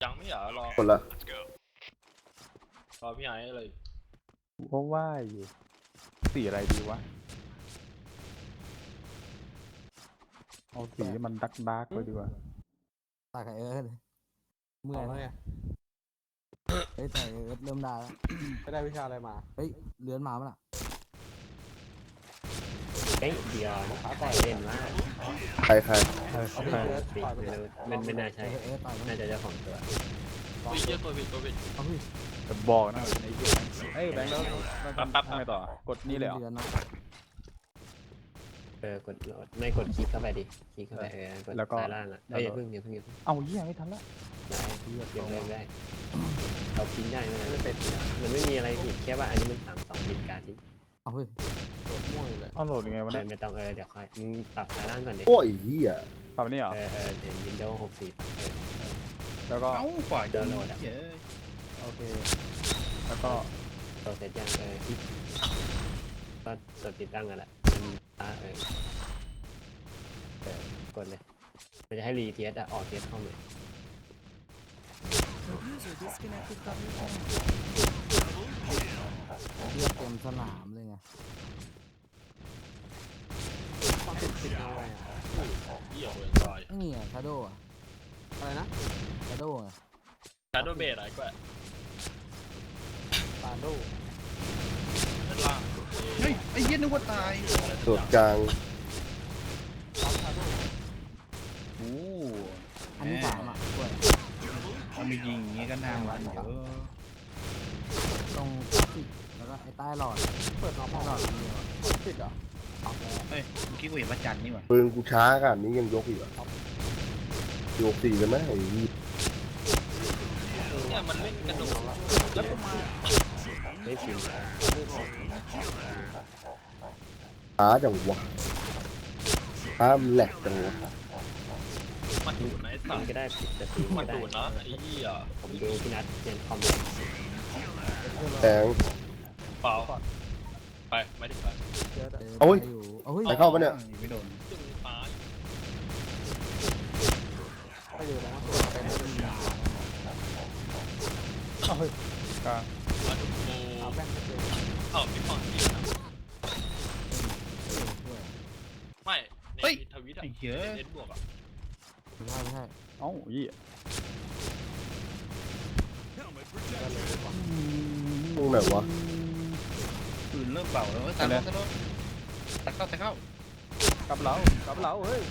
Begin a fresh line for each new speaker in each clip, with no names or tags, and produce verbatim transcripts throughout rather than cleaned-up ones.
ยังไม่เหรอรอ
คนละ
รอพี่ไอ้เลย
เพราะว่าอยู่สีอะไรดีวะเอาสีที่มันดักดักไปดีกว่า
ตากไอเอิร์ธเมื่อยแล้วไงเฮ้ยแต่ไอเอิร์ธเริ่มได้แล้ว
ไปได้วิชาอะไรมา
เฮ้ยเลื้อนมาปะล่ะ
เฮ้ยเดี๋ยวใครเล่นว่า
ใครใคร
เออ
เอา
ใช่
ไปเอิร์ธ
ปิด
ปล่อยไป
ไม่
เลย
รู้ไม่ไม่น่าใช่
เออเอิร์ธต่อยมั้ง
น่าจะเจ้าของตัว
เฮ้ยเหี้ยตัวผิดตัวผิด
เอาพี่
แต่บอกนะไอ้เหี้ยเอ้ยแบงค์แล้วแล้วทำ
ปั๊บๆ
ทำไงต่อกดนี่เลยเหรอ
เลื้อนนะ
เออกดไม่กดคลิกเข้าไปดิคลิกเข้าไปเออกดซ้ายล่างอ่ะเอ้ยอย่าเพิ่งอย่าเพิ่งอย่าเพิ่ง
เอาเหี้ยไม่ทันละ
ย้ายเลือกเลือกได้เราพิมพ์ได้ไหมมันเป็นมันไม่มีอะไรผิดแค่ว่าอันนี้มันสามสองผิดการที่
เอาพี่
โดดม่วงเลย
เอาโหลดยังไงวะเนี่ย
ไม่ต้องเออเดี๋ยวค่อยมึงปรับซ้ายล่างก่อนดิ
โอ้ยเหี้ย
ปรับนี่เหรอ
เออเออเดี๋ยววินโดว์หกสิบเออ
แล้วก็
เอ้าฝ่าย
ดาวน์โหลดอ่ะ
เยอะ
โอเคแล้วก็
ตัวเสร็จยังเออก็กดติดตั้งกันแหละมันอ่าเออเออกดเลยมันจะให้รีเทสอ่ะออกเทสเข้าใหม่
User disconnected from your channel.
เลือดเต็มสนามเลยไง
ต้องติดติดเอาไว้อะ
เหี้ยเลยตาย
ไอ้นี่อะชาโดว์อะ
อะไรนะ
ชาโดว์อะ
ชาร์โดเบสอะไรก็
ตาโด
ด้านล่าง
เฮ้ยไอ้เหี้ยนึกว่าตาย
โดดกลาง
โอ้
อันที่สามอ่ะด้วย
ถ้าไม่ยิงอย่างงี้ก็น่ามันเยอะ
ตรงกราฟิกแล้วก็ไอ้ใต้หลอด
เปิดน้อง
ใต้หลอดอันเดียวอะ
ติดเหรอ
ออกแล้ว
เฮ้ยเมื่อกี้กูเห็นพระจันทร์นี่หว่า
ปืนกูช้าขนาดนี้ยังยกอีกเหรอโยกสี่เลยไหมไอ้เหี้ย
เนี่ยมันเล่นกระโดดแล้วก็มา
ไม่พิมพ์
ช้าจังวะช้ามันแหลกจังวะ
มาดูดนะไอ้สั
มั
ต
น
ว์
ก็ได้ผิดแต่พิมพ์
มา
ก็ได้
ดูดนะไอ้เหี้ย
ผมดูพี่นัทเรียนคอมเลย
แสง
เปล่าไปไม่ได้ไป
เยอะ
เจอ
โอ้ย
ได้อยู่เอาเฮ้ย
ใครเข้าปะเนี่ย
ไม่โดน
ตึงตาย
ไปอยู่แล้วตัวเป็นเป็นยา
เอาเฮ้ยกลาง
มาดูโ
เอา
อ้
แบงค์ไปเจอ
เอ้าพี่ฟอนพี่นะ
ด้วย
ไม่ในทวิตอะ
ไอ้เหี้ย
เอ็ดบวกอะ
ไม่ใช่ไม่ใช่
เอ้าเหี้ย
ตรงไหนวะ
ปืนเริ่มเบาแล้วเว้ยตายแล้วตายแล้วตายเข้าตายเข้าก
ลับเรากลับเราเฮ้ย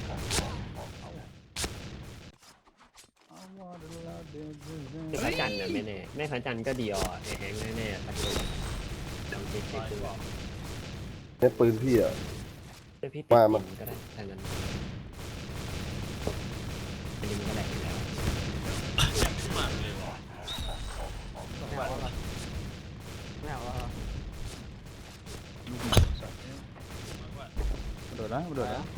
คือพระจันทร์น่ะไม่แน่ไม่พระจันทร์ก็ดีออไอแฮงแน่ๆตัดตัวลองเช็คเช็คดูว่า
ในปืนพี่อ่ะ
แต่พี่ติด
ว่ามัน
พิมพ์ก็ได้ถ้างั้นอันนี้มันก็แหลกอยู่แล้ว
ขึ้นมาเลยวะ
ไม่เอาแล้วไม่เอาแล้ว
ลูกหมูสัตว์เนี่ย
โดดนะโดดนะ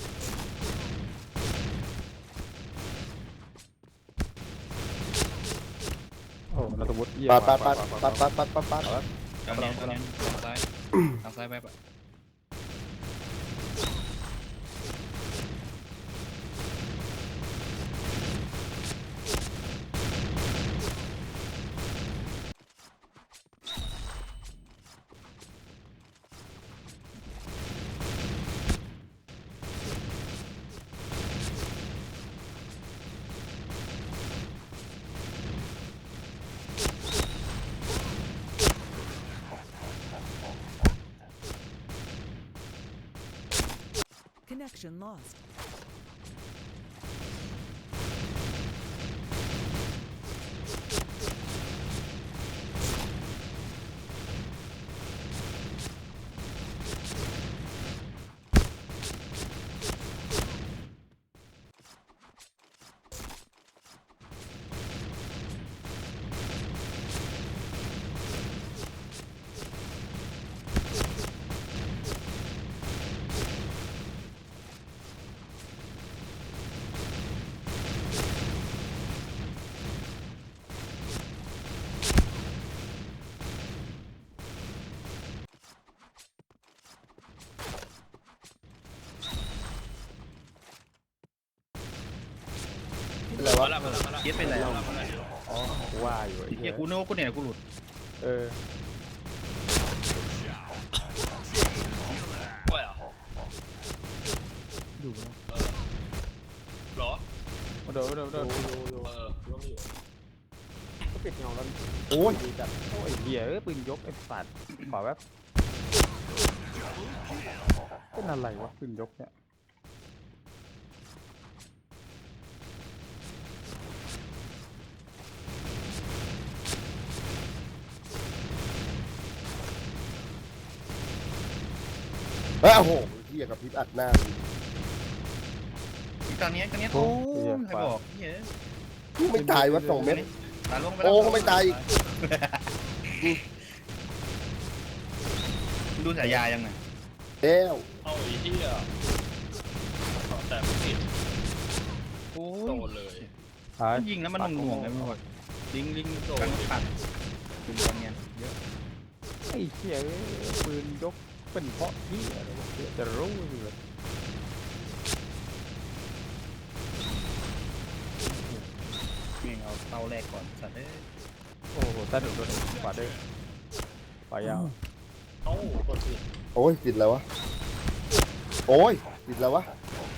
โอ้เราตะวุฒิเหี้ย
ปัดปัดปัดปัดปัดปัดปัดปัด
ทางนี้ทางนี้ทางซ้ายทางซ้ายไปปะ
Connection lost.
เป็นไรวะ
มาแล้วมาแล้วมาแล้ว
เย็ดไปแล้ว
มาแล้ว
กูว่าอยู่ไอ้
ไอ้เหี้
เหี้
ย
ย
กูนึกว่ากูเนี่ยกูหลุด
เออ
ว่าเหรอ
อยู่นะ
เออเหรอ
มาโดนมาโดนมาโดน
เออรู้ไม่อยู่
ก็ปิดเงาแล้ว
โอ้ย
ดีจัดโอ้ยเหี้ยเอ้ยปืนยกไอ้สัตว์ขอแป๊บเป็นอะไรวะปืนยกเนี่ย
เอ้ยโอ้โหเฮียกับพริบอัดหน้า
ตอนนี้ตอนนี้โอ้ยใครบอกเหี้ย
ไม่ตายวะสองเม็ด
ตาลงไป
โอ้ก็ไม่ตายอีก
ดูสายยายังไง
แล้ว
เอาไอ้เหี้ยเอาแต่ไม่ติด
โอ้
โด
ย
นเลย
หาย
ยิงแล้วมันหน่วงๆไงมึงบอกลิงลิงโดนปัดยิงตอนเนี้ยเยอะ
ไอ้เหี้ยเอ้ยปืนยกเป็นเพราะเหี้ยอะไรวะเหี้ยจะรู้อยู่เลย
นี่เอาเตาแรกก่อนสัตว์เอ้ย
โอ้โหตาดุโดนขวาด้วยขวายาว
เอ้าตัวติด
โอ้ยติดแล้ววะโอ้ยติดแล้ววะ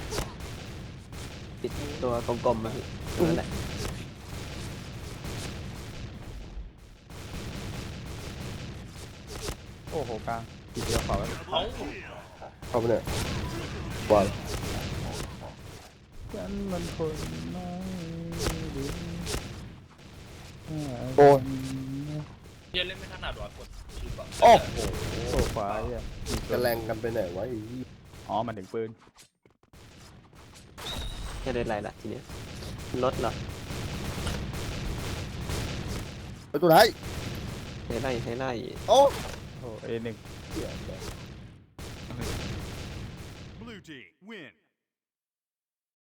ติดตัวกลมๆมาพี่นั่นแหละ
โอ้โหกลางทีเดียวขวาไว้
เอ้า
เข้าไปเนี่ยบอล
ฉันมันคนไม่ดี
โอ้ย
เหี้ยเล่นไม่ถนัดว่ะกดชิปอะ
โอ้โห
โอ้ขวาเหี้ย
จะแรงกันไปไหนวะไอ้เหี้ย
อ๋อมันถึงปืน
จะได้ไรล่ะทีเนี้ยรถเหรอ
ไปตัวไหน
ให้ไล่ให้ไล่
โอ้
โอ้เอหนึ่ง
เหี้ย
Blue team win.